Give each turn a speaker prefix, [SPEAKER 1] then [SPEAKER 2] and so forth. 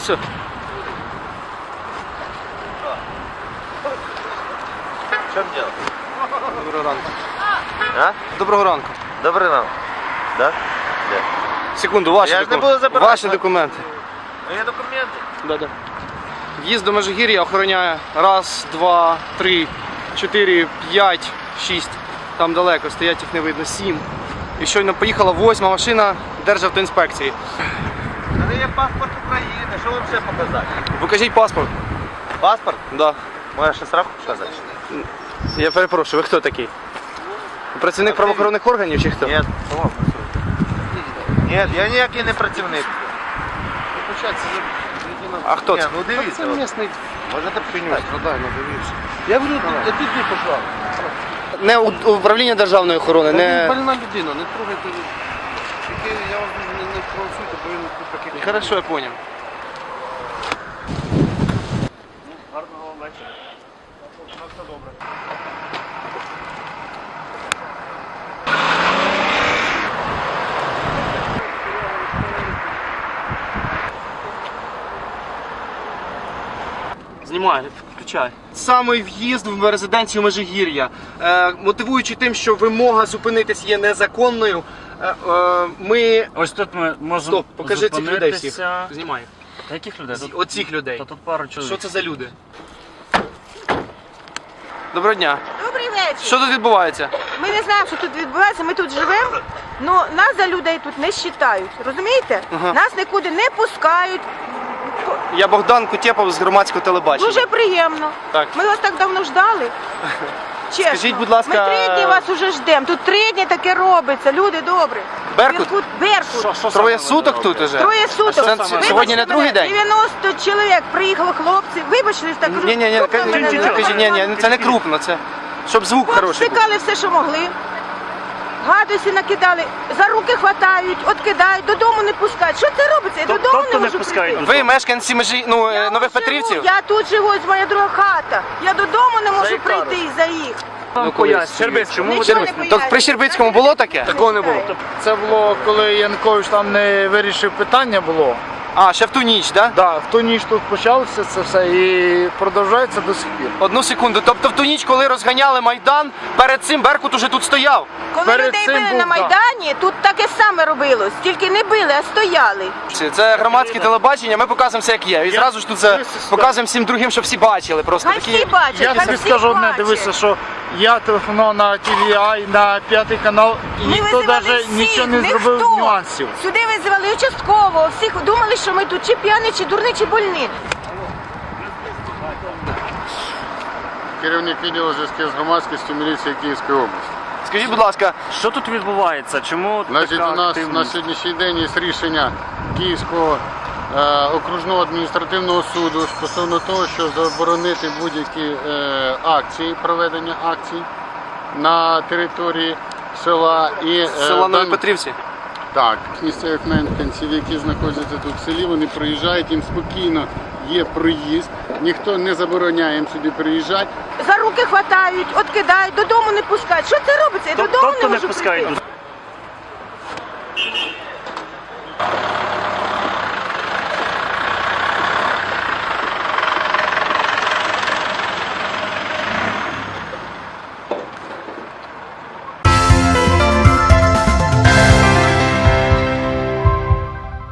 [SPEAKER 1] Все.
[SPEAKER 2] В чем дело?
[SPEAKER 1] Доброго ранку.
[SPEAKER 2] А?
[SPEAKER 1] Доброго ранку.
[SPEAKER 2] Добрий ранок. Да? Де?
[SPEAKER 1] Секунду, ваші,
[SPEAKER 2] Я ж не буду забирати.
[SPEAKER 1] ваші документи.
[SPEAKER 2] Є документи.
[SPEAKER 1] Да. В'їзд до Межигір'я охороняє 1, 2, 3, 4, 5, 6. Там далеко, стоять їх не видно, 7. І щойно поїхала 8-ма машина Державтоінспекції.
[SPEAKER 2] У мене є паспорт України. Що вам ще показати?
[SPEAKER 1] Покажіть паспорт.
[SPEAKER 2] Паспорт?
[SPEAKER 1] Да.
[SPEAKER 2] Можна ще справку показати?
[SPEAKER 1] Я перепрошую, ви хто такий? Працівник правоохоронних органів чи хто?
[SPEAKER 2] Ні. Ні, я ніякий не працівник.
[SPEAKER 1] А хто
[SPEAKER 2] Ні,
[SPEAKER 1] це?
[SPEAKER 2] ну дивіться.
[SPEAKER 3] Це місний
[SPEAKER 2] Можете почитати?
[SPEAKER 3] продай, ну дивіться. Я говорю, тут не пошла.
[SPEAKER 1] Не управління державної охорони,
[SPEAKER 3] Він
[SPEAKER 1] не...
[SPEAKER 3] больна людина, не трогайте. Тільки я вас не провокуйте, бо він тут такий.
[SPEAKER 1] Хорошо, я понял.
[SPEAKER 3] Гарного вечора. На все добре.
[SPEAKER 1] Знімай, включай. Саме в'їзд в резиденцію Межигір'я. Мотивуючи тим, що вимога зупинитись є незаконною, ми...
[SPEAKER 4] Ось тут ми можемо
[SPEAKER 1] Стоп, покажи цих людей всіх.
[SPEAKER 4] зупинитися.
[SPEAKER 1] Знімай.
[SPEAKER 4] Та яких людей? Тут,
[SPEAKER 1] Оцих людей.
[SPEAKER 4] та тут пару чоловік.
[SPEAKER 1] Що це за люди? Доброго дня.
[SPEAKER 5] Добрий вечір.
[SPEAKER 1] Що тут відбувається?
[SPEAKER 5] Ми не знаємо, що тут відбувається, ми тут живемо, але нас за людей тут не вважають. Розумієте?
[SPEAKER 1] Ага.
[SPEAKER 5] Нас нікуди не пускають.
[SPEAKER 1] Я Богдан Кутєпов з громадського телебачення.
[SPEAKER 5] Дуже приємно.
[SPEAKER 1] Так.
[SPEAKER 5] Ми вас так давно ждали. Чесно.
[SPEAKER 1] Скажіть, будь ласка,
[SPEAKER 5] Ми 3 дні вас уже ждемо. Тут 3 дні таке робиться. Люди добрі.
[SPEAKER 1] Беркут?
[SPEAKER 5] Беркут.
[SPEAKER 4] Що
[SPEAKER 1] Троє
[SPEAKER 4] саме
[SPEAKER 1] суток
[SPEAKER 4] ви
[SPEAKER 1] тут
[SPEAKER 4] робите?
[SPEAKER 1] уже?
[SPEAKER 5] Троє суток.
[SPEAKER 1] Це
[SPEAKER 5] Вибачте
[SPEAKER 1] сьогодні не другий
[SPEAKER 5] мене,
[SPEAKER 1] день?
[SPEAKER 5] 90 чоловік приїхали хлопці. Вибачте, так
[SPEAKER 1] Ні,
[SPEAKER 5] крупно мене не
[SPEAKER 1] кажіть, ні, це не крупно, це щоб звук хороший був.
[SPEAKER 5] Стикали все, що могли. Гадості накидали, за руки хватають, откидають, додому не пускають. Що це робиться? Я додому
[SPEAKER 4] тобто
[SPEAKER 5] не
[SPEAKER 4] не
[SPEAKER 5] можу
[SPEAKER 4] пускають?
[SPEAKER 5] прийти.
[SPEAKER 1] Ви мешканці
[SPEAKER 5] Я
[SPEAKER 1] Нових
[SPEAKER 5] живу,
[SPEAKER 1] Петрівців?
[SPEAKER 5] Я тут живу, ось моя друга хата. Я додому не можу
[SPEAKER 4] яка
[SPEAKER 5] прийти за їх.
[SPEAKER 4] Вам
[SPEAKER 1] колись.
[SPEAKER 4] Щербиць, чому ви
[SPEAKER 5] Нічого не
[SPEAKER 4] дивитесь?
[SPEAKER 5] пояснюю.
[SPEAKER 1] Так при Щербицькому було таке?
[SPEAKER 5] Такого не було.
[SPEAKER 6] Це було, коли Янукович там не вирішив питання було.
[SPEAKER 1] А, ще в ту ніч, так? Да?
[SPEAKER 6] Да, в ту ніч тут почалося це все і продовжується до сих пір.
[SPEAKER 1] Одну секунду. Тобто в ту ніч, коли розганяли Майдан, перед цим Беркут уже тут стояв.
[SPEAKER 5] Коли
[SPEAKER 6] Перед
[SPEAKER 5] людей
[SPEAKER 6] цим
[SPEAKER 5] били
[SPEAKER 6] був,
[SPEAKER 5] на
[SPEAKER 6] да.
[SPEAKER 5] Майдані, тут таке саме робилось. Тільки не били, а стояли.
[SPEAKER 1] Це громадське телебачення, ми показуємо все як є. І зразу ж тут це показуємо всім другим, щоб всі бачили. Просто
[SPEAKER 5] Хай всі
[SPEAKER 1] такі.
[SPEAKER 5] бачать,
[SPEAKER 6] Я
[SPEAKER 5] хай
[SPEAKER 6] тобі
[SPEAKER 5] всі
[SPEAKER 6] скажу одне,
[SPEAKER 5] бачать.
[SPEAKER 6] дивися, що я телефонував на TVI, на 5 канал, і
[SPEAKER 5] Ми
[SPEAKER 6] ніхто
[SPEAKER 5] визивали
[SPEAKER 6] навіть
[SPEAKER 5] всіх,
[SPEAKER 6] нічого не
[SPEAKER 5] ніхто.
[SPEAKER 6] зробив нюансів.
[SPEAKER 5] Сюди визивали участкового, всіх думали, що ми тут чи п'яні, чи дурні, чи больні.
[SPEAKER 7] Керівник відділу зв'язків з громадськістю міліції Київської області.
[SPEAKER 1] Скажіть, будь ласка,
[SPEAKER 4] Що тут відбувається? Чому
[SPEAKER 7] Значить,
[SPEAKER 4] така
[SPEAKER 7] у нас
[SPEAKER 4] активність?
[SPEAKER 7] на сьогоднішній день є рішення Київського окружного адміністративного суду стосовно того, що заборонити будь-які акції, проведення акцій на території села і
[SPEAKER 1] села Нові Петрівці.
[SPEAKER 7] Так, місцевих мешканців, які знаходяться тут в селі, вони приїжджають, їм спокійно є проїзд, ніхто не забороняє їм сюди приїжджати.
[SPEAKER 5] За руки хватають, откидають, додому не пускають. Що це робиться? Я додому
[SPEAKER 4] Тобто
[SPEAKER 5] не
[SPEAKER 4] не
[SPEAKER 5] можу
[SPEAKER 4] пускають?
[SPEAKER 5] прийти.